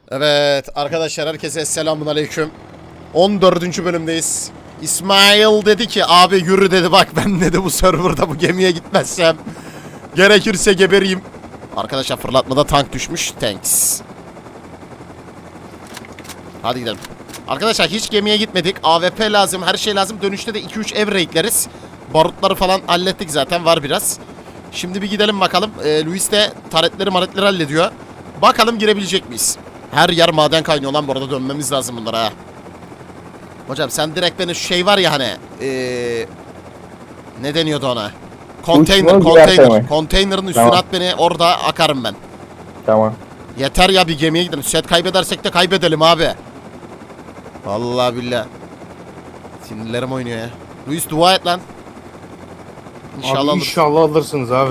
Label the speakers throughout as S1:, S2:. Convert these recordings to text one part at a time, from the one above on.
S1: Evet arkadaşlar, herkese selamun aleyküm. 14. bölümdeyiz. İsmail dedi ki abi yürü dedi, bak ben dedi bu serverda bu gemiye gitmezsem gerekirse gebereyim. Arkadaşlar fırlatmada tank düşmüş. Thanks. Hadi gidelim. Arkadaşlar hiç gemiye gitmedik. AWP lazım, her şey lazım. Dönüşte de 2-3 ev raidleriz. Barutları falan hallettik zaten, var biraz. Şimdi bir gidelim bakalım. Luis de taretleri hallediyor. Bakalım girebilecek miyiz? Her yer maden kaynıyor lan, bu arada dönmemiz lazım bunlara ha. Hocam sen direkt beni şu şey var ya hani ne deniyordu ona? Konteynerin üstüne
S2: Tamam.
S1: at beni, orada akarım ben.
S2: Tamam.
S1: Yeter ya, bir gemiye gidelim. Set kaybedersek de kaybedelim abi. Vallahi billahi. Sinirlerim oynuyor ya. Luis dua et lan. İnşallah
S3: Abi
S1: alırız.
S3: inşallah alırsınız abi.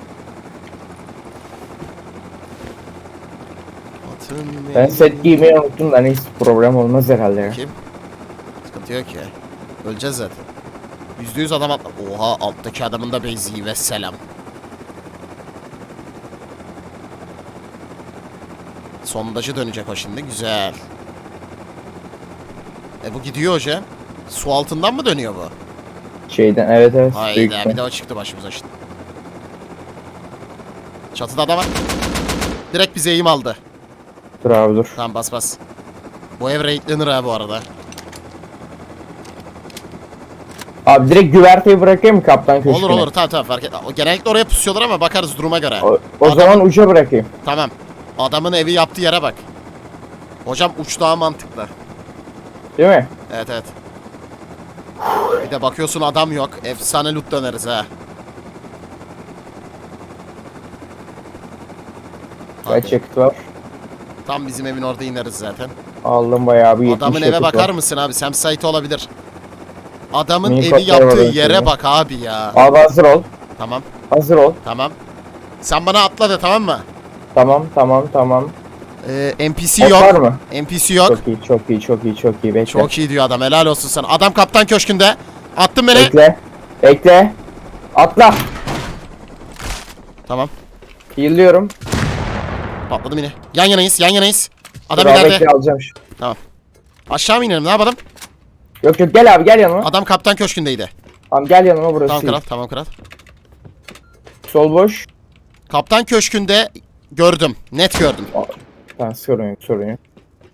S2: Ben set giymeyi unuttum da neyse, problem olmaz herhalde ya.
S1: Kim? Sıkıntı yok ya. Öleceğiz zaten. %100 adam atla. Oha, alttaki adamın da beyziği ve selam. Sondajı dönecek o şimdi, güzel. Bu gidiyor hocam. Su altından mı dönüyor bu?
S2: Şeyden evet büyük
S1: Hayda, bir
S2: ihtimal.
S1: de o çıktı başımıza şimdi. Çatıda adam var. Direkt bize eğim aldı.
S2: Dur abi dur.
S1: Tamam, bas bas. Bu ev raidlenir ha bu arada.
S2: Abi direkt güverteyi bırakayım mı kaptan köşküne?
S1: Olur tamam fark et. Genellikle oraya pusuyorlar ama bakarız duruma göre.
S2: O zaman uca bırakayım.
S1: Tamam. Adamın evi yaptığı yere bak. Hocam uç daha mantıklı.
S2: Değil mi?
S1: Evet. Bir de bakıyorsun adam yok. Efsane loot döneriz ha.
S2: Kaç yakıt var?
S1: Tam bizim evin orada ineriz zaten.
S2: Aldım bayağı bir 70
S1: Adamın eve
S2: yakıt
S1: bakar
S2: var.
S1: mısın abi? Campsite olabilir. Adamın
S2: Mini
S1: evi
S2: kodlar var
S1: yaptığı
S2: öyle
S1: yere
S2: söyleyeyim.
S1: bak abi ya.
S2: Abi hazır ol.
S1: Tamam.
S2: Hazır ol.
S1: Sen bana atla de, tamam mı?
S2: Tamam.
S1: NPC
S2: Ok
S1: yok.
S2: var mı?
S1: NPC yok.
S2: Çok iyi. Bekle.
S1: Çok iyi diyor adam. Helal olsun sana. Adam kaptan köşkünde. Attın beni.
S2: Bekle. Atla.
S1: Tamam.
S2: Yıllıyorum.
S1: Patladım yine. Yan yanayız. Adam
S2: Dur abi,
S1: ileride.
S2: bekle, alacağım şu.
S1: Aşağı mı inelim, ne yapalım?
S2: Yok gel abi, gel yanıma.
S1: Adam kaptan köşkündeydi.
S2: Tamam gel yanıma, burası iyi.
S1: Tamam kral.
S2: Sol boş.
S1: Kaptan köşkünde gördüm. Net gördüm.
S2: Tamam, sorun yok.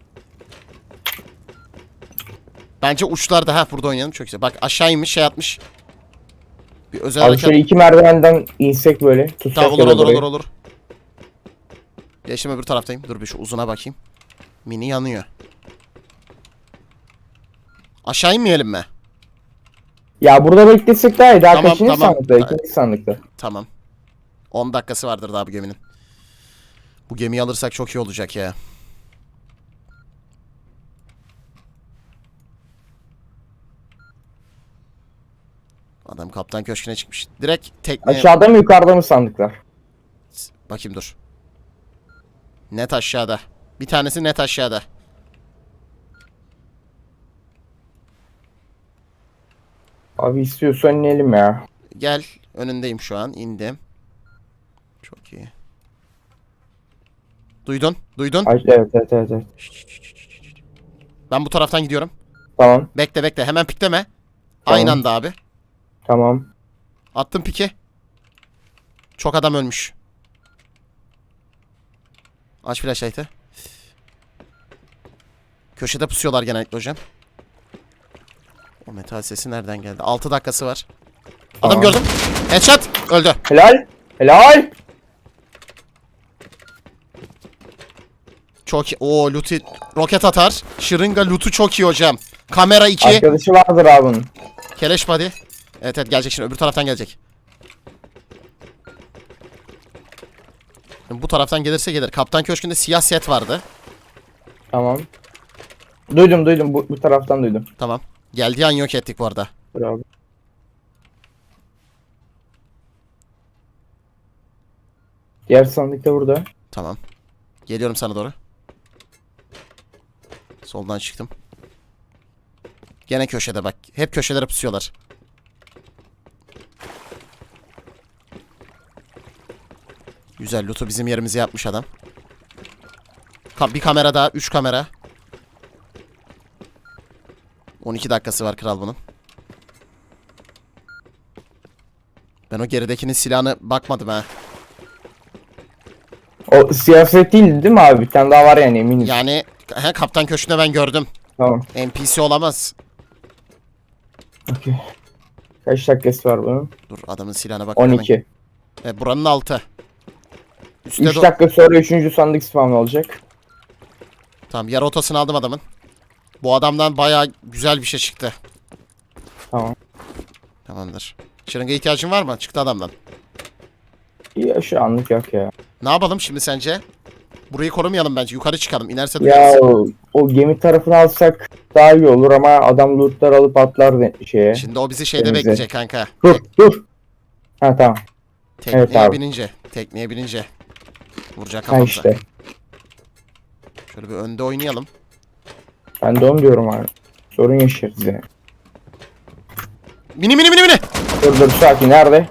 S1: Bence uçlarda, burada oynayalım, çok güzel. Bak aşağı inmiş, şey atmış. Bir özel
S2: Abi
S1: hareket.
S2: şöyle 2 merdivenden insek böyle. Tutsak
S1: Tamam,
S2: ya da burayı.
S1: olur. Geçtim, öbür taraftayım. Dur bir şu uzuna bakayım. Mini yanıyor. Aşağı inmeyelim mi?
S2: Ya burada beklesek daha iyi. Daha
S1: Tamam,
S2: kaçıncı
S1: tamam.
S2: sandıkta? İkinci sandıkta.
S1: Tamam. 10 dakikası vardır daha bu geminin. Bu gemiyi alırsak çok iyi olacak ya. Adam kaptan köşküne çıkmış. Direkt tekneye...
S2: Aşağıda mı yukarıda mı sandıklar?
S1: Bakayım dur. Net aşağıda. Bir tanesi net aşağıda.
S2: Abi istiyorsan inelim ya.
S1: Gel. Önündeyim şu an. İndim. Çok iyi. Duydun?
S2: Ay, evet.
S1: Ben bu taraftan gidiyorum.
S2: Tamam.
S1: Bekle. Hemen pikleme.
S2: Tamam.
S1: Aynı anda abi.
S2: Tamam.
S1: Attım piki. Çok adam ölmüş. Aç flashlight'ı. Köşede pusuyorlar genellikle hocam. O metal sesi nereden geldi? 6 dakikası var. Adam
S2: Tamam.
S1: gördüm. Headshot. Öldü.
S2: Helal.
S1: Çok iyi. Oo, loot'u. Roket atar. Şırınga loot'u çok iyi hocam. Kamera 2.
S2: Arkadaşı vardır abi bunun.
S1: Keleş body. Evet gelecek şimdi. Öbür taraftan gelecek. Şimdi bu taraftan gelirse gelir. Kaptan köşkünde siyah set vardı.
S2: Tamam. Duydum. Bu taraftan duydum.
S1: Tamam. Geldiği an yok ettik bu arada.
S2: Dur abi. Diğer sandık da burada.
S1: Tamam. Geliyorum sana doğru. Soldan çıktım. Gene köşede bak. Hep köşelere pusuyorlar. Güzel loot'u bizim yerimize yapmış adam. Bir kamera daha. 3 kamera. 12 dakikası var kral bunun. Ben o geridekinin silahına bakmadım ha.
S2: O siyaset değildi değil mi abi? Bir tane daha var yani eminim.
S1: Yani kaptan köşkünde ben gördüm.
S2: Tamam.
S1: NPC olamaz.
S2: Okey. Kaç dakikası var bunun?
S1: Dur adamın silahına bak.
S2: 12.
S1: Buranın altı. Üstte
S2: 3 dakika sonra 3. sandık spam olacak.
S1: Tamam yarı otasını aldım adamın. Bu adamdan bayağı güzel bir şey çıktı.
S2: Tamam.
S1: Tamamdır. Şırınga ihtiyacın var mı? Çıktı adamdan.
S2: Ya şu anlık yok ya.
S1: Ne yapalım şimdi sence? Burayı korumayalım bence. Yukarı çıkalım. İnerse
S2: Ya
S1: duyarız.
S2: o gemi tarafını alsak daha iyi olur ama adam lootlar alıp atlar şeye.
S1: Şimdi o bizi şeyde
S2: Denize.
S1: bekleyecek kanka.
S2: Dur. Ha tamam.
S1: Tekneye
S2: Evet abi.
S1: binince. Tekneye binince. Vuracak
S2: Ha
S1: kafamıza.
S2: işte.
S1: Şöyle bir önde oynayalım.
S2: Ben de onu diyorum abi. Sorun yaşarız yani.
S1: Mini mini mini mini.
S2: Dur sakin nerede?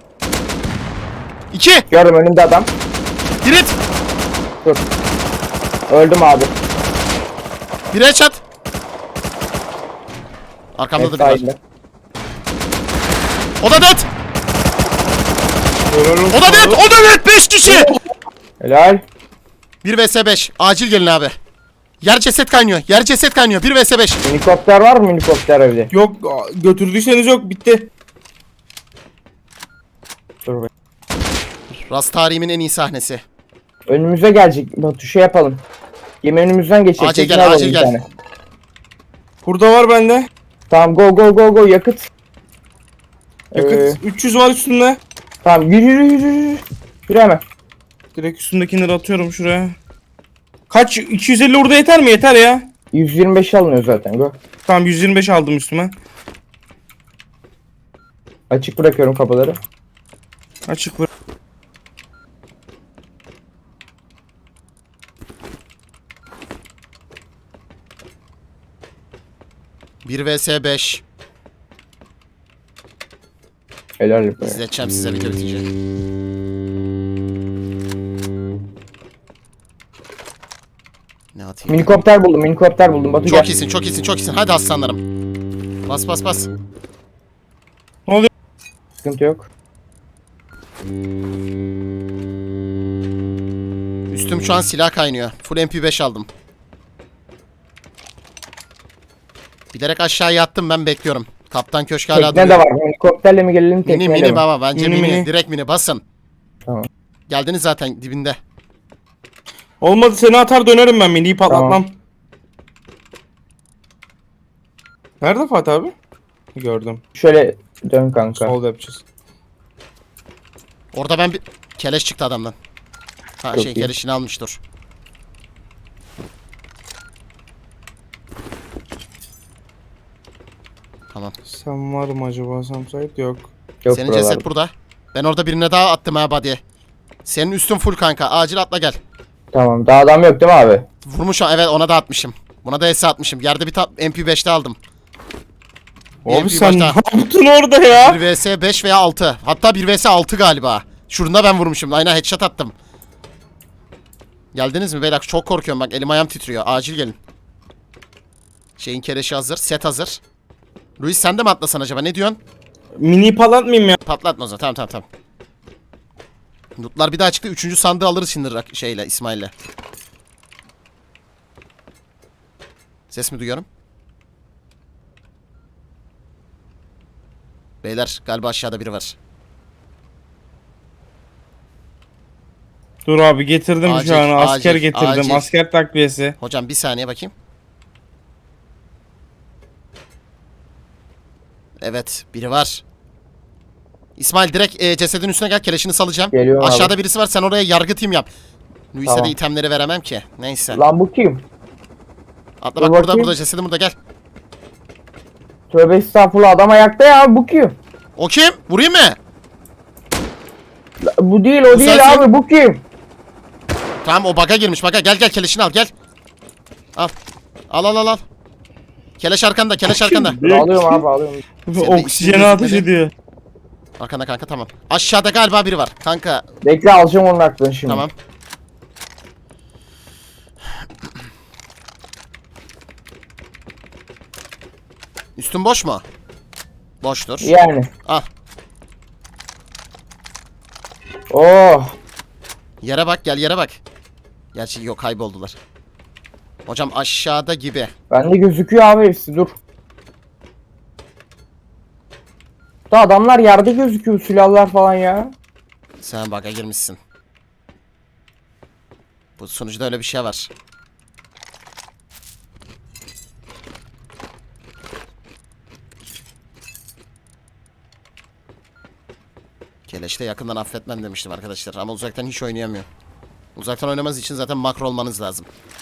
S1: 2.
S2: Gördüm önümde adam.
S1: Girit.
S2: Dur. Öldüm abi.
S1: Bir headshot. Arkamda da bir var.
S2: Sahilde.
S1: O da dead. O da dead. O da dead. 5 kişi.
S2: Helal.
S1: 1 vs 5. Acil gelin abi. Yer ceset kaynıyor. Yer ceset kaynıyor. 1 vs 5.
S2: Minikopter var mı minikopter evde?
S3: Yok götürdüyseniz yok bitti.
S2: Dur be.
S1: Rast tarihimin en iyi sahnesi.
S2: Önümüze gelecek. Batu şey yapalım. Gemi önümüzden geçecek.
S1: Acil
S2: Tekne
S1: gel,
S2: alalım
S1: acil
S2: bir
S1: gel.
S2: tane.
S3: Burada var bende.
S2: Tamam go yakıt.
S3: Yakıt 300 var üstünde.
S2: Tamam yürü. Yürü hemen.
S3: Direkt üstündekileri atıyorum şuraya. Kaç? 250 orada yeter mi? Yeter ya.
S2: 125 alınıyor zaten go.
S3: Tamam 125 aldım üstüme.
S2: Açık bırakıyorum kapıları.
S3: Açık bırak.
S1: Bir vs 5.
S2: Helal be.
S1: İzleteceğim size video bitince. Ne atayım?
S2: Minikopter buldum. Batu
S1: Çok
S2: gel.
S1: iyisin, çok iyisin, çok iyisin. Hadi aslanlarım. Bas.
S3: Ne oluyor?
S2: Sıkıntı yok.
S1: Üstüm şu an silah kaynıyor. Full MP5 aldım. Bilerek aşağıya yattım, ben bekliyorum. Kaptan köşk hala
S2: Tekne de
S1: duruyor.
S2: var. Minikopterle mi gelelim tekneyle
S1: Mini
S2: mi?
S1: baba, bence
S3: Mini,
S1: mini.
S3: mini.
S1: Direkt mini basın.
S2: Tamam.
S1: Geldiniz zaten dibinde.
S3: Olmadı seni atar dönerim ben miniyi patlatmam.
S2: Tamam.
S3: Nerede Fatih abi? Gördüm.
S2: Şöyle dön kanka.
S3: Solda yapacağız.
S1: Orada ben bir... Keleş çıktı adamdan. Ha
S2: Çok
S1: şey
S2: iyi.
S1: keleşini almış dur. Tamam.
S3: Sen var mı acaba Samsayt? Yok.
S2: Yok
S1: Senin
S2: buralarda.
S1: ceset burada. Ben orada birine daha attım ha body'ye. Senin üstün full kanka. Acil atla gel.
S2: Tamam. Daha adam yok değil mi abi?
S1: Vurmuş evet, ona da atmışım. Buna da S atmışım. Yerde bir MP5'te aldım. Bir
S3: Abi
S1: MP
S3: sen ne
S1: başta.
S3: yaptın orada ya?
S1: 1 vs 5 veya 6. Hatta 1 vs 6 galiba. Şurunda ben vurmuşum. Aynen headshot attım. Geldiniz mi beyler? Çok korkuyorum bak, elim ayağım titriyor. Acil gelin. Şeyin keleşi hazır. Set hazır. Luis sen de mi atlasan acaba? Ne diyorsun?
S3: Miniyi patlatmayayım ya.
S1: Patlatma o zaman. Tamam. Lootlar bir daha çıktı. 3. sandığı alırız şimdi şeyle, İsmail'le. Ses mi duyuyorum? Beyler galiba aşağıda biri var.
S3: Dur abi getirdim
S1: Acil,
S3: şu an. Asker
S1: acil,
S3: getirdim.
S1: acil.
S3: Asker takviyesi.
S1: Hocam bir saniye bakayım. Evet biri var. İsmail direkt cesedin üstüne gel, keleşini salacağım.
S2: Geliyorum abi.
S1: Aşağıda birisi var, sen oraya yargı team yap. Luis'e
S2: Tamam.
S1: de itemleri veremem ki. Neyse.
S2: Lan bu kim?
S1: Atla
S2: dur
S1: bak, burada
S2: bakayım.
S1: cesedin burada, gel.
S2: Tövbe estağfurullah adam ayakta ya. Bu kim?
S1: O kim? Vurayım mı?
S2: Bu değil o değil
S1: sensin.
S2: abi. Bu kim?
S1: Tamam o bug'a girmiş, bug'a. Gel keleşini al, gel. Al. Al. Keleş arkanda.
S2: Alıyorum abi alıyorum.
S1: de
S3: Oksijeni
S1: ismini
S3: ateş
S1: gözükmedi.
S3: ediyor.
S1: Arkanda kanka, tamam. Aşağıda galiba biri var. Kanka
S2: Bekle alacağım onun aklını şimdi.
S1: tamam. Üstün boş mu? Boştur.
S2: Yani.
S1: Al.
S2: Oh.
S1: Yere bak, gel yere bak. Gerçi yok, kayboldular. Hocam aşağıda gibi.
S2: Bende gözüküyor abi hepsi, dur. Da adamlar yerde gözüküyor, silahlar falan ya.
S1: Sen bug'a girmişsin. Bu sonuçta öyle bir şey var. Keleş'te yakından affetmem demiştim arkadaşlar ama uzaktan hiç oynayamıyor. Uzaktan oynamanız için zaten makro olmanız lazım.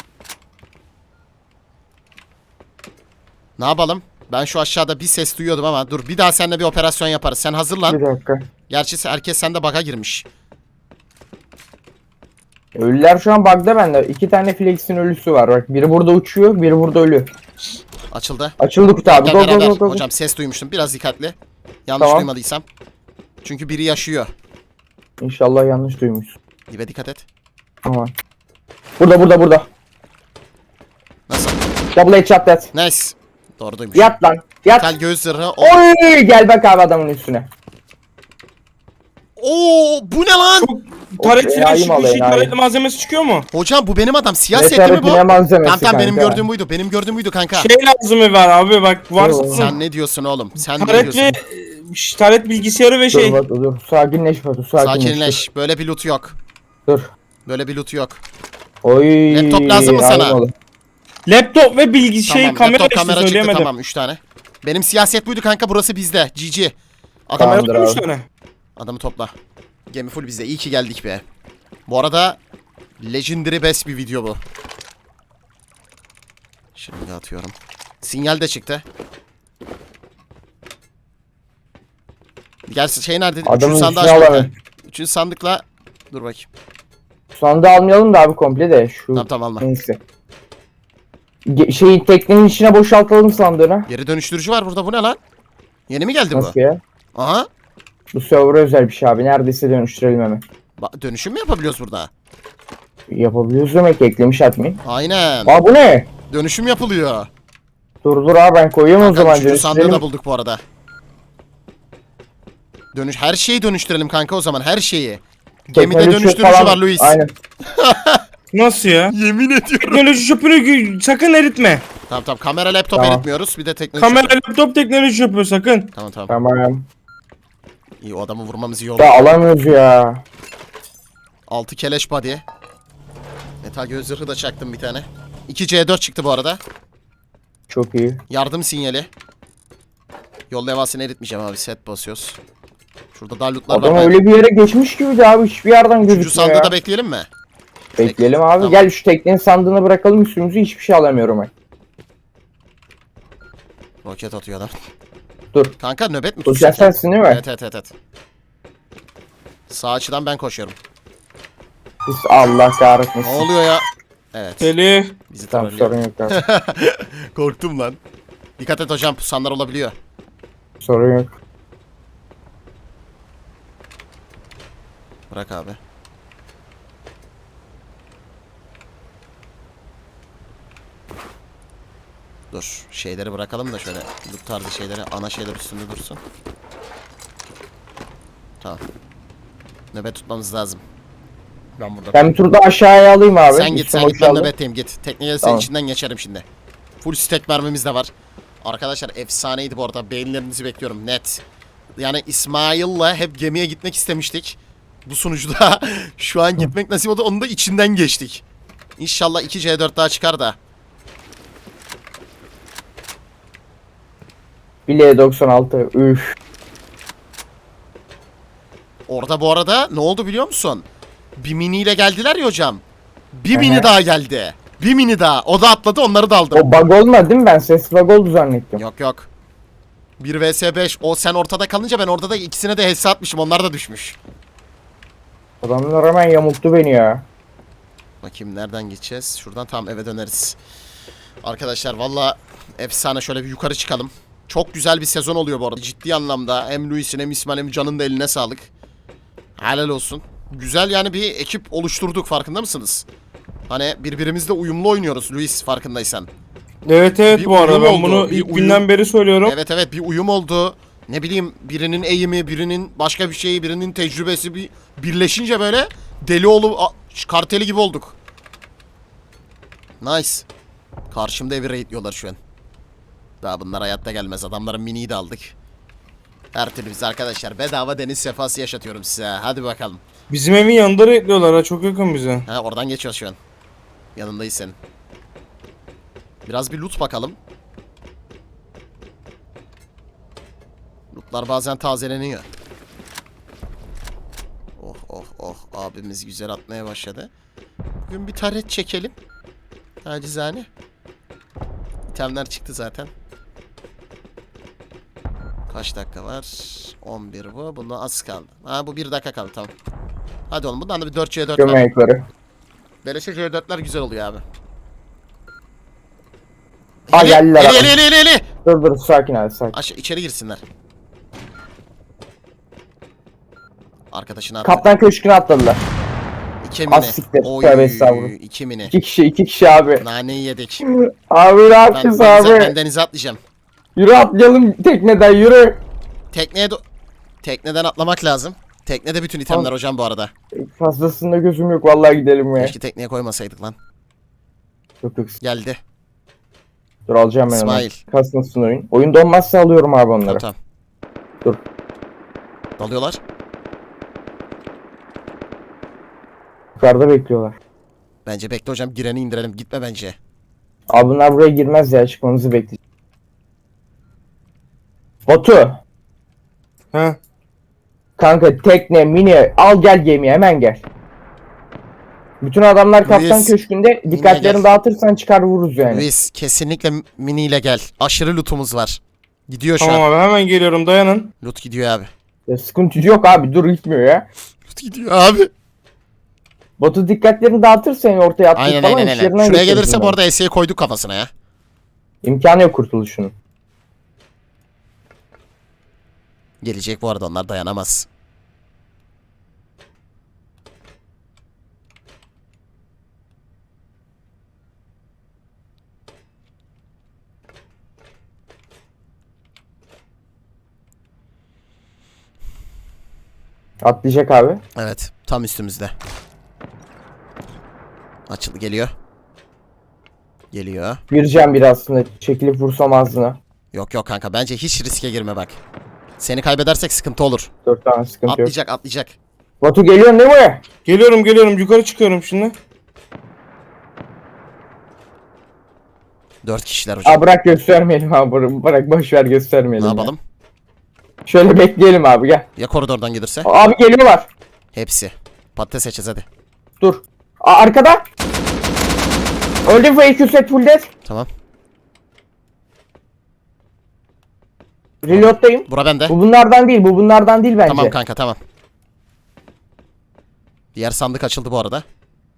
S1: Ne yapalım? Ben şu aşağıda bir ses duyuyordum ama dur bir daha seninle bir operasyon yaparız. Sen hazırlan.
S2: Bir dakika.
S1: Gerçi herkes sende bug'a girmiş.
S2: Ölüler şu an bug'da bende. 2 tane Flex'in ölüsü var. Bak biri burada uçuyor, biri burada ölü.
S1: Açıldı.
S2: Açıldı kutu abi.
S1: Gel
S2: Go go
S1: beraber.
S2: go go.
S1: Hocam ses duymuştum. Biraz dikkatli. Yanlış
S2: Tamam.
S1: duymadıysam. Çünkü biri yaşıyor.
S2: İnşallah yanlış duymuşsun.
S1: Dibe dikkat et.
S2: Tamam. Burada.
S1: Nasıl?
S2: Double headshot that.
S1: Nice. Doğru duymuş.
S2: Yat lan. Yat.
S1: Tel göğüs zırhı.
S2: Oy! Gel bak abi adamın üstüne.
S1: Oo, bu ne lan?
S3: Taret
S2: Okey,
S3: flash
S2: ayım
S3: bir
S2: alayım,
S3: şey, taret
S2: ayım.
S3: malzemesi çıkıyor mu?
S1: Hocam bu benim adam. Siyah
S2: Evet,
S1: setli mi
S2: evet,
S1: bu?
S2: yine malzemesi
S1: Tamam tamam benim
S2: kanka.
S1: gördüğüm buydu. Benim gördüğüm buydu kanka.
S3: Şey lazım var abi bak varsa
S2: Yo.
S1: Sen ne diyorsun oğlum? Sen ne
S3: taret
S1: diyorsun?
S3: ve taret bilgisayarı ve şey.
S2: Dur Batu dur. Sakinleş Batu, sakinleş.
S1: Sakinleş. Böyle bir loot yok.
S2: Dur.
S1: Böyle bir loot yok.
S2: Oy.
S1: Laptop lazım mı sana?
S2: ayım oldu.
S3: Laptop ve bilgi şey
S1: Tamam,
S3: kamera
S1: laptop
S3: işte
S1: kamera çıktı
S3: söyleyemedim.
S1: tamam 3 tane. Benim siyaset buydu kanka, burası bizde. GG. Adam,
S3: Kamera
S2: Tamamdır
S3: var 3
S2: abi.
S3: tane.
S1: adamı topla. Gemi full bizde. İyi ki geldik be. Bu arada Legendary best bir video bu. Şimdi atıyorum. Sinyal de çıktı. Gerçi şey nerede?
S2: Adamın
S1: Üçüncü sandığı
S2: üstüne
S1: açmadı.
S2: alamıyorum.
S1: Üçüncü sandıkla... Dur bakayım.
S2: Sandığı almayalım da abi komple de. Şu
S1: Tamam tamam alma.
S2: neyse. Şeyin teknenin içine boşaltalım sandığını.
S1: Geri dönüştürücü var burada. Bu ne lan? Yeni mi geldi
S2: Nasıl
S1: bu?
S2: ya?
S1: Aha.
S2: Bu server'a özel bir şey abi. Neredeyse dönüştürelim hemen.
S1: Dönüşüm mü yapabiliyoruz burada?
S2: Yapabiliyoruz demek ki, eklemiş admin.
S1: Aynen.
S2: Aa bu ne?
S1: Dönüşüm yapılıyor.
S2: Dur abi ben koyuyorum o
S1: Kanka,
S2: zaman.
S1: üçüncü sandığı
S2: Dönüştürelim.
S1: da bulduk bu arada. Her şeyi dönüştürelim kanka o zaman. Her şeyi. Gemide
S2: Teknoloji
S1: dönüştürücü
S2: falan-
S1: var Luis.
S2: Aynen.
S3: Nasıl ya?
S1: Yemin ediyorum.
S3: Teknoloji çöpünü sakın eritme.
S1: Tamam tamam. Kamera laptop
S2: Tamam.
S1: eritmiyoruz. Bir de teknoloji.
S3: Kamera laptop teknoloji çöpü sakın.
S1: Tamam tamam.
S2: Tamam.
S1: İyi, o adamı vurmamız iyi oldu.
S2: Da alamıyoruz ya.
S1: 6 keleş body. Metal göz zırhı da çaktım bir tane. 2 C4 çıktı bu arada.
S2: Çok iyi.
S1: Yardım sinyali. Yol levhasını eritmeyeceğim abi. Set basıyoruz. Şurada daha lootlar
S2: Adam
S1: var.
S2: öyle bir yere geçmiş gibiydi abi. Hiçbir yerden
S1: Üçüncü
S2: gözükmüyor
S1: sandığı
S2: ya.
S1: da bekleyelim mi?
S2: Bekleyelim abi.
S1: Tamam.
S2: Gel şu teknenin sandığını bırakalım üstümüzü. Hiçbir şey alamıyorum ben.
S1: Roket atıyor adam.
S2: Dur.
S1: Kanka nöbet mi
S2: Dur
S1: tutacak?
S2: sen sensin değil mi?
S1: Evet. Sağ açıdan ben koşuyorum.
S2: Biz Allah
S1: Ne
S2: kahretmesin.
S1: oluyor ya? Evet.
S3: Deli.
S1: Bizi
S2: Tamam
S1: trollüyor.
S2: sorun yok abi.
S1: Korktum lan. Dikkat et hocam, pusanlar olabiliyor.
S2: Sorun yok.
S1: Bırak abi. Dur. Şeyleri bırakalım da şöyle loot tarzı şeyleri, ana şeyler üstünde dursun. Tamam. Nöbet tutmamız lazım. Ben burada.
S2: Ben bir tur da aşağıya alayım abi.
S1: Sen git,
S2: Üstüm
S1: sen git, ben
S2: boşaldı.
S1: nöbetteyim, git. Tekneye senin
S2: Tamam.
S1: içinden geçerim şimdi. Full stack mermimiz de var. Arkadaşlar efsaneydi bu arada. Beğenilerinizi bekliyorum net. Yani İsmail'la hep gemiye gitmek istemiştik. Bu sunucuda şu an gitmek nasip oldu. Onun da içinden geçtik. İnşallah 2 C4 daha çıkar da.
S2: Bileğe 96. Üf.
S1: Orada bu arada ne oldu biliyor musun? Bir miniyle geldiler ya hocam. Bir
S2: Hı
S1: mini
S2: hı.
S1: daha geldi. Bir mini daha. O da atladı, onları da aldım.
S2: O bug olmadı değil mi? Ben ses bug oldu zannettim.
S1: Yok yok. 1 vs 5. O sen ortada kalınca ben orada da ikisine de HS atmışım. Onlar da düşmüş.
S2: Adamlar hemen yamulttu beni ya.
S1: Bakayım nereden gideceğiz? Şuradan tam eve döneriz. Arkadaşlar valla efsane, şöyle bir yukarı çıkalım. Çok güzel bir sezon oluyor bu arada. Ciddi anlamda hem Luis'in hem İsmail hem Can'ın da eline sağlık. Helal olsun. Güzel yani bir ekip oluşturduk, farkında mısınız? Hani birbirimizle uyumlu oynuyoruz Luis, farkındaysan.
S3: Evet
S1: Bir
S3: bu arada
S1: uyum
S3: ben
S1: oldu,
S3: bunu
S1: bir
S3: ilk
S1: uyum.
S3: günden beri söylüyorum.
S1: Evet bir uyum oldu. Ne bileyim birinin eğimi, birinin başka bir şeyi, birinin tecrübesi bir birleşince böyle karteli gibi olduk. Nice. Karşımda evi raidliyorlar şu an. Daha bunlar hayatta gelmez. Adamların miniyi de aldık. Her türlü biz arkadaşlar bedava deniz sefası yaşatıyorum size. Hadi bakalım.
S3: Bizim evin yanında rekliyorlar ha, çok yakın bize.
S1: Ha oradan geçiyoruz şu an. Yanındayız senin. Biraz bir loot bakalım. Lootlar bazen tazeleniyor. Oh abimiz güzel atmaya başladı. Bugün bir taret çekelim. Acizane. İtemler çıktı zaten. Kaç dakika var? 11 bu. Bunda az kaldı. Ha bu 1 dakika kaldı tamam. Hadi oğlum bundan da bir 4C4
S2: Gömme
S1: var.
S2: ayakları.
S1: Beleşe C4'ler güzel oluyor abi.
S2: Ha geldiler abi.
S1: Eli.
S2: Dur sakin abi sakin.
S1: Aşağı içeri girsinler. Arkadaşını attı.
S2: Kaptan köşküne atladılar.
S1: 2 mini.
S2: Az siktir.
S1: Oy,
S2: Tövbe estağfurullah.
S1: 2 mini.
S2: İki kişi abi.
S1: Naneyi yedik.
S2: Abi ne
S1: Ben
S2: yapacağız abi?
S1: denize atlayacağım.
S2: Yürü atlayalım tekneden yürü.
S1: Tekneden atlamak lazım. Teknede bütün itemler
S2: Abi.
S1: hocam bu arada.
S2: Fazlasında gözüm yok vallahi gidelim ya.
S1: Keşke tekneye koymasaydık lan.
S2: Yok.
S1: Geldi.
S2: Dur alacağım ben onu.
S1: İsmail.
S2: Kasmasın oyun. Oyun donmazsa alıyorum abi onları.
S1: Tamam.
S2: Dur.
S1: Dalıyorlar.
S2: Yukarıda bekliyorlar.
S1: Bence bekle hocam gireni indirelim. Gitme bence.
S2: Abi bunlar buraya girmez ya çıkmamızı bekleyeceğiz. Batu.
S3: Ha.
S2: Kanka tekne mini al gel gemiye hemen gel. Bütün adamlar kaptan
S1: Luis,
S2: köşkünde dikkatlerini
S1: gel.
S2: dağıtırsan çıkar vururuz yani.
S1: Luis kesinlikle miniyle gel. Aşırı lootumuz var. Gidiyor şu
S3: Tamam
S1: an.
S3: abi hemen geliyorum, dayanın.
S1: Loot gidiyor abi.
S2: Ya sıkıntı yok abi dur gitmiyor ya.
S1: Loot gidiyor abi.
S2: Batu dikkatlerini dağıtırsa yani ortaya attık
S1: Aynen
S2: falan
S1: aynen.
S2: işlerinden
S1: Şuraya
S2: geçeriz
S1: gelirse
S2: bunları.
S1: bu arada S'ye koyduk kafasına ya.
S2: İmkanı yok kurtuluşunun.
S1: Gelecek bu arada onlar dayanamaz.
S2: Atlayacak abi.
S1: Evet tam üstümüzde. Açıldı geliyor. Geliyor.
S2: Gireceğim bir aslında çekilip vursam ağzına.
S1: Yok kanka bence hiç riske girme bak. Seni kaybedersek sıkıntı olur.
S2: 4 tane sıkıntı yok.
S1: Atlayacak.
S2: Batu geliyorsun değil mi?
S3: Geliyorum yukarı çıkıyorum şimdi.
S1: 4 kişiler hocam.
S2: Aa bırak göstermeyelim abi bırak boş ver
S1: Ne
S2: göstermeyelim. ya.
S1: yapalım?
S2: Şöyle bekleyelim abi gel.
S1: Ya koridordan gelirse?
S2: Abi geliyorlar.
S1: Hepsi. Patates seçeceğiz hadi.
S2: Dur. Arkada. Öldü fake set full death.
S1: Tamam.
S2: Reload'dayım.
S1: Bura bende.
S2: Bu bunlardan değil bence.
S1: Tamam kanka tamam. Diğer sandık açıldı bu arada.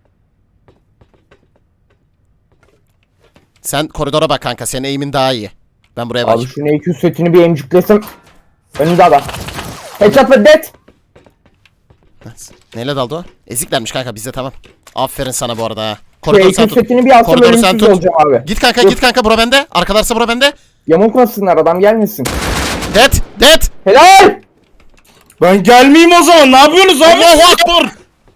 S1: Sen koridora bak kanka. Senin eğimin daha iyi. Ben buraya
S2: Abi
S1: bakayım.
S2: şu NQ setini bir emcüklesim. Önünde adam. Headshot ve dead.
S1: Neyle daldı o? Eziklermiş kanka bizde tamam. Aferin sana bu arada ha.
S2: Şu
S1: Koridoru
S2: NQ
S1: sen tut.
S2: setini bir alsam
S1: Koridoru sen
S2: ölümsüz
S1: tut.
S2: olacağım abi.
S1: Git kanka bura bende. Arkalarsa bura bende.
S2: Yamultmasınlar adam gelmesin.
S1: Dead.
S2: Helal.
S3: Ben gelmeyeyim o zaman, ne yapıyorsunuz abi?
S1: Allahu Akbar.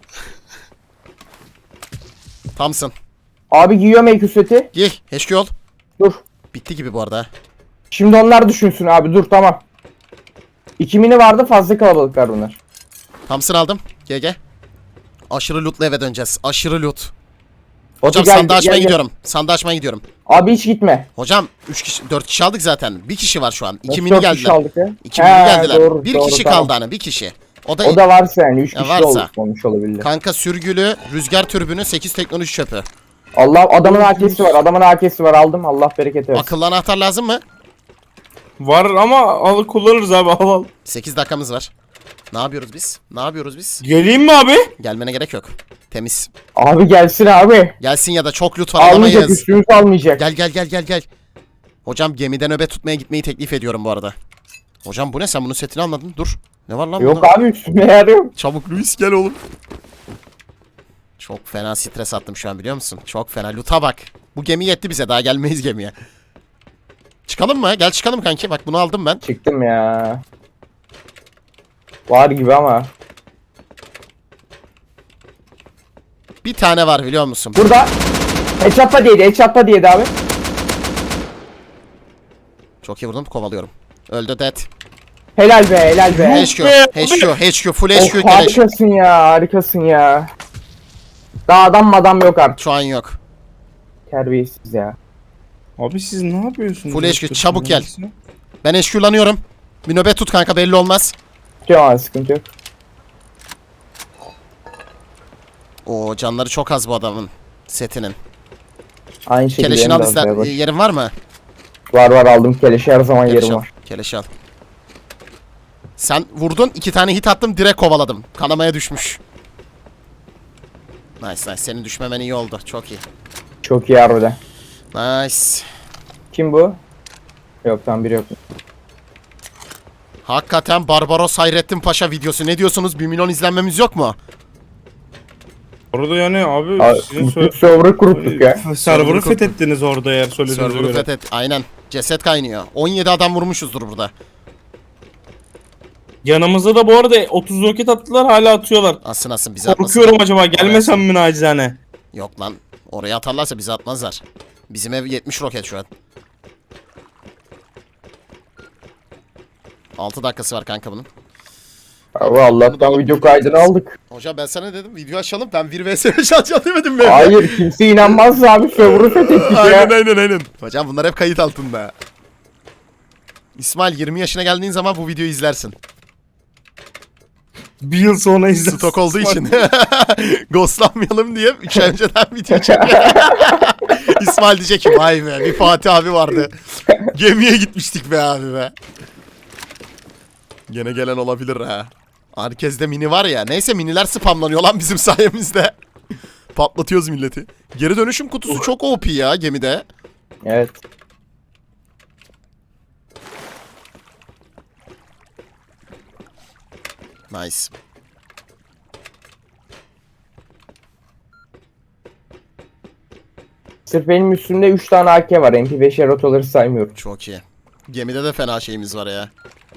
S1: Tamsın.
S2: Abi giyiyorum NQ seti.
S1: Giy. HQ ol.
S2: Dur.
S1: Bitti gibi bu arada ha.
S2: Şimdi onlar düşünsün abi dur tamam. 2 mini vardı fazla kalabalıklar bunlar.
S1: Tamsın aldım. GG. Aşırı lootla eve döneceğiz. Aşırı loot.
S2: Batu
S1: Hocam
S2: gel,
S1: sandığı açmaya
S2: gel.
S1: gidiyorum. Sandığı açmaya gidiyorum.
S2: Abi hiç gitme.
S1: Hocam 4 kişi aldık zaten. Bir kişi var şu an. 2
S2: Nasıl
S1: mini
S2: 4 kişi
S1: geldiler.
S2: aldık ya?
S1: 2 mini
S2: He,
S1: geldiler.
S2: doğru,
S1: bir
S2: doğru,
S1: kişi
S2: tamam.
S1: kaldı hani bir kişi. O da,
S2: O da varsa yani 3
S1: Ya
S2: kişi
S1: varsa.
S2: olmuş olabilir.
S1: kanka sürgülü rüzgar türbünü 8 teknoloji çöpü.
S2: Allah adamın AK'si var. Adamın AK'si var aldım. Allah bereket versin.
S1: Akıllı anahtar lazım mı?
S3: Var ama al kullanırız abi, al.
S1: 8 dakikamız var. Ne yapıyoruz biz?
S3: Geleyim mi abi?
S1: Gelmene gerek yok. Temiz.
S2: Abi gelsin abi.
S1: Gelsin ya da çok loot var
S2: Almayacak
S1: alamayız.
S2: üstümüz almayacak.
S1: Gel. Hocam gemide nöbet tutmaya gitmeyi teklif ediyorum bu arada. Hocam bu ne sen bunun setini almadın dur. Ne var lan
S2: Yok
S1: bunda?
S2: abi üstüme yer yok.
S1: Çabuk Luis gel oğlum. Çok fena stres attım şu an biliyor musun? Çok fena. Loot'a bak. Bu gemi yetti bize. Daha gelmeyiz gemiye. Çıkalım mı? Gel çıkalım kanki. Bak bunu aldım ben.
S2: Çıktım ya. Var gibi ama.
S1: Bir tane var biliyor musun?
S2: Burada. Headshot'la diyedi. Headshot'la diyedi abi.
S1: Çok iyi vurdum. Kovalıyorum. Öldü dead.
S2: Helal be helal be.
S1: HQ. HQ. Full HQ
S2: Of,
S1: keleş.
S2: harikasın ya harikasın ya. Daha adam yok artık.
S1: Şu an yok.
S2: Terbiyesiz ya.
S3: Abi siz ne yapıyorsunuz?
S1: Full HQ, çabuk gel. Ben HQ'lanıyorum. Bir nöbet tut kanka belli olmaz.
S2: Tutuyorum abi sıkıntı yok.
S1: Oo canları çok az bu adamın. Setinin.
S2: Aynı şekilde
S1: Keleşini
S2: benim
S1: al
S2: de
S1: ister.
S2: hazırlığa bak.
S1: Yerin var mı?
S2: Var aldım keleşi her zaman
S1: Keleş
S2: yerim
S1: al.
S2: var.
S1: Keleş al. Sen vurdun. 2 tane hit attım. Direkt kovaladım. Kanamaya düşmüş. Nice. Senin düşmemen iyi oldu. Çok iyi.
S2: Çok iyi harbiden.
S1: Nice.
S2: Kim bu? Yok tam biri yok.
S1: Hakikaten Barbaros Hayrettin Paşa videosu. Ne diyorsunuz? 1 milyon izlenmemiz yok mu?
S3: Orada yani abi
S2: Abi,
S3: sizin
S2: bütün server'ı kuruttuk ya.
S3: server'ı fethettiniz orada eğer söylediğinize
S1: Server'ı
S3: göre.
S1: fethet. Aynen. Ceset kaynıyor. 17 adam vurmuşuzdur burada.
S3: Yanımıza da bu arada 30 roket attılar hala atıyorlar.
S1: Asın bizi atmasın.
S3: Korkuyorum acaba gelmesem mi nacizane?
S1: Yok lan. Oraya atarlarsa bizi atmazlar. Bizim ev 70 roket şu an. 6 dakikası var kanka bunun.
S2: Abi Allah'tan video kaydını aldık.
S1: Hocam ben sana dedim video açalım. Ben 1 vs 5 açacağım demedim mi?
S2: Hayır kimse inanmaz abi server'ı fethettik ya.
S1: Aynen. Hocam bunlar hep kayıt altında. İsmail 20 yaşına geldiğin zaman bu videoyu izlersin.
S3: Bir yıl sonra izlersin.
S1: Stok olduğu için. Ghostlanmayalım diye 3 ay önceden video çekiyor. İsmail diyecek ki vay be bir Fatih abi vardı. Gemiye gitmiştik be abi be. Gene gelen olabilir ha. Herkeste mini var ya. Neyse miniler spamlanıyor lan bizim sayemizde. Patlatıyoruz milleti. Geri dönüşüm kutusu çok OP ya gemide.
S2: Evet.
S1: Nice.
S2: Sırf benim üstümde 3 tane AK var. MP5 rotaları saymıyorum.
S1: Çok iyi. Gemide de fena şeyimiz var ya.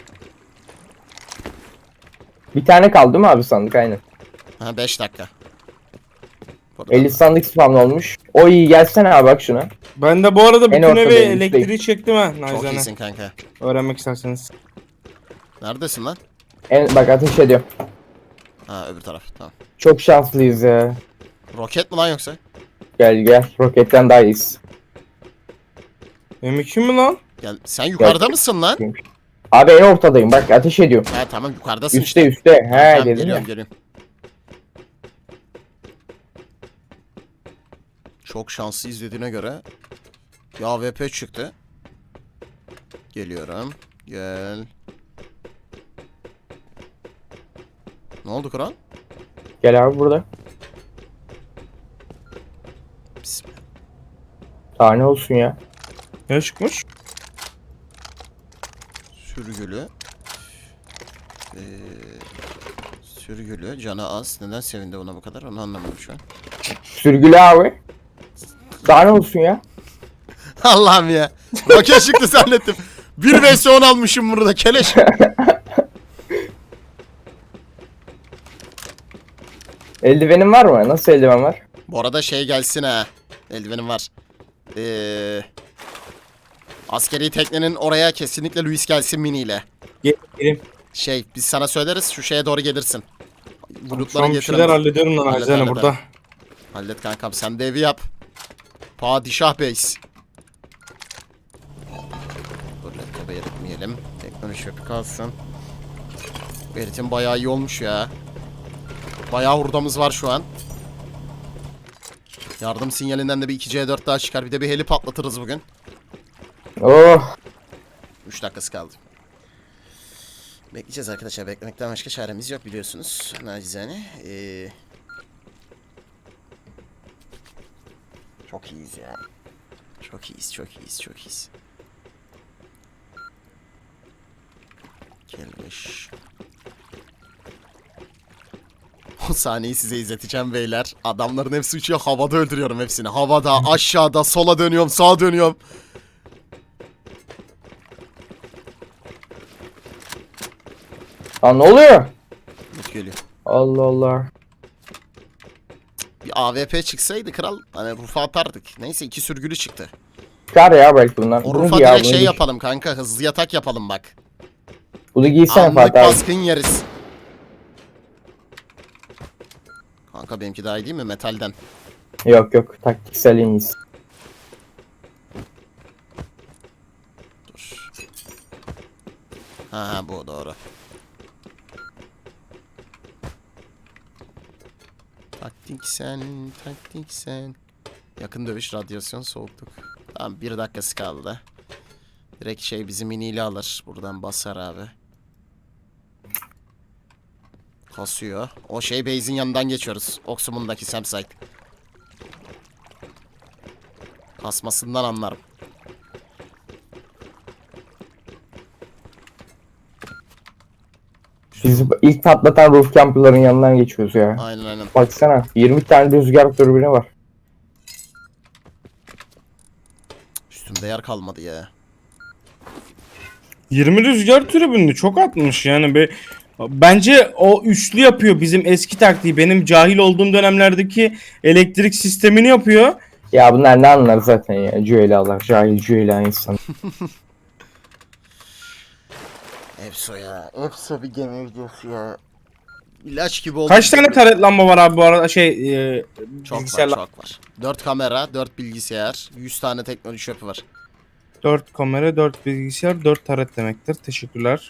S2: Bir tane kaldı değil mi abi sandık aynen.
S1: Ha 5 dakika. Burada
S2: 50 sandık spamlı olmuş. O iyi gelsene abi bak şuna.
S3: Ben de bu arada
S2: En
S3: bütün
S2: ortadayım,
S3: evi
S2: üstteyim.
S3: elektriği çektim ha
S1: çok
S3: nacizane.
S1: iyisin kanka.
S3: Öğrenmek isterseniz.
S1: Neredesin lan?
S2: Bak ateş ediyor.
S1: Ha öbür taraf. Tamam.
S2: Çok şanslıyız ya.
S1: Roket mi lan yoksa?
S2: Gel. Roketten daha iyiyiz.
S3: M2 mi lan?
S1: Gel. Sen yukarıda mısın lan?
S2: Abi en ortadayım bak ateş ediyor.
S1: Ha tamam yukarıdasın
S2: Üste
S1: işte.
S2: üste. He
S1: Tamam,
S2: dedim ya.
S1: geliyorum. Çok şanslı izlediğine göre. Ya VP çıktı. Geliyorum. Gel. Ne oldu Kur'an?
S2: Gel abi burada.
S1: Bismillah.
S2: Tane olsun ya.
S3: Ne çıkmış?
S1: Sürgülü. Sürgülü. Canı az. Neden sevindi ona bu kadar? Onu anlamadım şu an.
S2: Sürgülü abi. Tane olsun ya.
S1: Allah'ım ya. Roket çıktı zannettim. 1 vs 10 almışım burada keleş.
S2: Eldivenin var mı? Nasıl eldiven var?
S1: Bu arada şey gelsin ha. Eldivenim var. Askeri teknenin oraya kesinlikle Luis gelsin miniyle.
S3: Gelin.
S1: Şey biz sana söyleriz şu şeye doğru gelirsin.
S3: Şu
S1: Bulutları
S3: an bir
S1: getirin.
S3: şeyler hallediyorum lan
S1: Hallet,
S3: nacizane
S1: hallet,
S3: burada.
S1: Hallet kankam sen de evi yap. Padişah Beys. Dur laptopu eritmeyelim. Teknoloji yok kalsın. Bu eritim bayağı iyi olmuş ya. Bayağı hurdamız var şu an. Yardım sinyalinden de bir 2C4 daha çıkar. Bir de bir heli patlatırız bugün.
S2: Oh.
S1: 3 dakikası kaldı. Bekleyeceğiz arkadaşlar. Beklemekten başka çaremiz yok biliyorsunuz. Nacizane. Çok iyiyiz ya. Çok iyiyiz. Gelmiş. sahneyi size izleteceğim beyler. Adamların hepsi uçuyor. Havada öldürüyorum hepsini. Havada, aşağıda, sola dönüyorum, sağa dönüyorum.
S2: Lan ne oluyor?
S1: Mut geliyor.
S2: Allah Allah.
S1: Bir AWP çıksaydı kral hani rufa atardık. Neyse 2 sürgülü çıktı.
S2: Çıkar ya belki bunlar.
S1: O
S2: Bunu
S1: rufa
S2: giy ya,
S1: direkt
S2: bunu
S1: şey
S2: giy.
S1: yapalım kanka. Hızlı yatak yapalım bak.
S2: Bunu giysene
S1: Anlık
S2: Fatih abi.
S1: baskın yeriz. Kanka benimki daha iyi değil mi metalden?
S2: Yok yok, taktiksel en iyisi.
S1: Dur. Ha bu doğru. Taktik sen. Yakın dövüş, radyasyon, soğukluk. Tamam 1 dakikası kaldı. Direkt şey bizi miniyle alır. Buradan basar abi. Kasıyor. O şey base'in yanından geçiyoruz. Oksumundaki Samsite. Kasmasından anlarım.
S2: Biz ilk patlatan roof camper'ların yanından geçiyoruz ya.
S1: Aynen.
S2: Baksana 20 tane rüzgar türbini var.
S1: Üstümde yer kalmadı ya.
S3: 20 rüzgar tribününü çok atmış yani be. Bence o üçlü yapıyor bizim eski taktiği. Benim cahil olduğum dönemlerdeki elektrik sistemini yapıyor.
S2: Ya bunlar ne anlar zaten ya. Cüelalar, cahil cüela insan.
S1: Efso ya. Efso bir gemi videosu ya. İlaç gibi oldu.
S3: Kaç tane taret lamba var abi bu arada
S1: Çok
S3: bilgisayarla?
S1: var çok var. 4 kamera, 4 bilgisayar, 100 tane teknoloji çöpü var.
S3: 4 kamera, 4 bilgisayar, 4 taret demektir. Teşekkürler.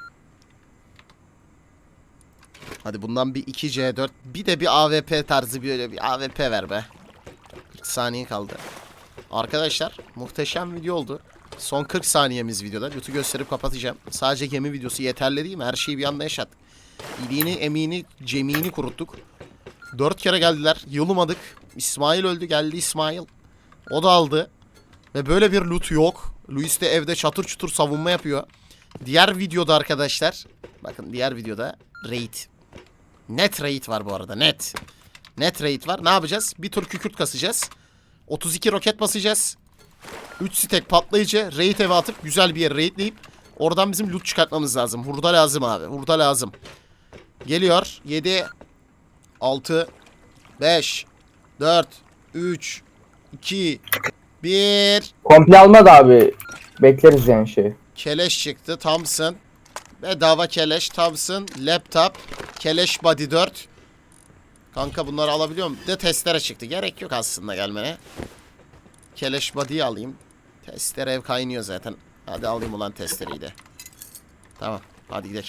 S1: Hadi bundan bir 2C4 bir de bir AWP tarzı böyle bir AWP ver be. 40 saniye kaldı. Arkadaşlar muhteşem video oldu. Son 40 saniyemiz videoda. Loot'u gösterip kapatacağım. Sadece gemi videosu yeterli değil mi? Her şeyi bir anda yaşattık. İliğini, emiğini, cemiğini kuruttuk. 4 kere geldiler. Yolumadık. İsmail öldü. Geldi İsmail. O da aldı. Ve böyle bir loot yok. Luis de evde çatır çutur savunma yapıyor. Diğer videoda arkadaşlar. Bakın diğer videoda raid. Net raid var bu arada. Net. Net raid var. Ne yapacağız? Bir tur kükürt kasacağız. 32 roket basacağız. 3 stack patlayıcı. Raid eve atıp güzel bir yere raidleyip oradan bizim loot çıkartmamız lazım. Hurda lazım abi. Hurda lazım. Geliyor. 7 6 5 4 3 2 1
S2: Komple almadı abi. Bekleriz yani şey.
S1: Keleş çıktı. Thompson. Bedava keleş. Thompson. Laptop. Keleş body 4. Kanka bunları alabiliyor muyum? Bir de testere çıktı. Gerek yok aslında gelmene. Keleş body'yi alayım. Testere ev kaynıyor zaten. Hadi alayım ulan testereyi de. Tamam. Hadi gidelim.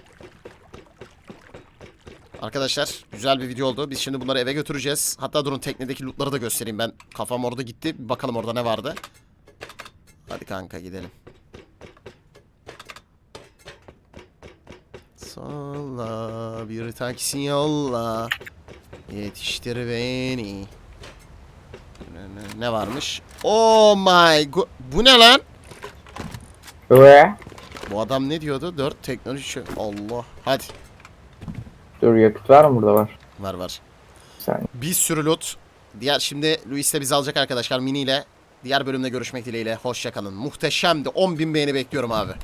S1: Arkadaşlar güzel bir video oldu. Biz şimdi bunları eve götüreceğiz. Hatta durun teknedeki lootları da göstereyim ben. Kafam orada gitti. Bir bakalım orada ne vardı. Hadi kanka gidelim. Solla bir taksi yolla. Yetiştir beni. Ne varmış? Oh my god. Bu ne lan?
S2: Ve
S1: Bu adam ne diyordu? 4 teknoloji. Allah. Hadi.
S2: dur, yakıt var mı burada? Var.
S1: Var.
S2: Sen.
S1: Bir sürü loot. Diğer şimdi Luis de bizi alacak arkadaşlar mini ile. Diğer bölümde görüşmek dileğiyle. Hoşça kalın. Muhteşemdi. 10.000 beğeni bekliyorum abi.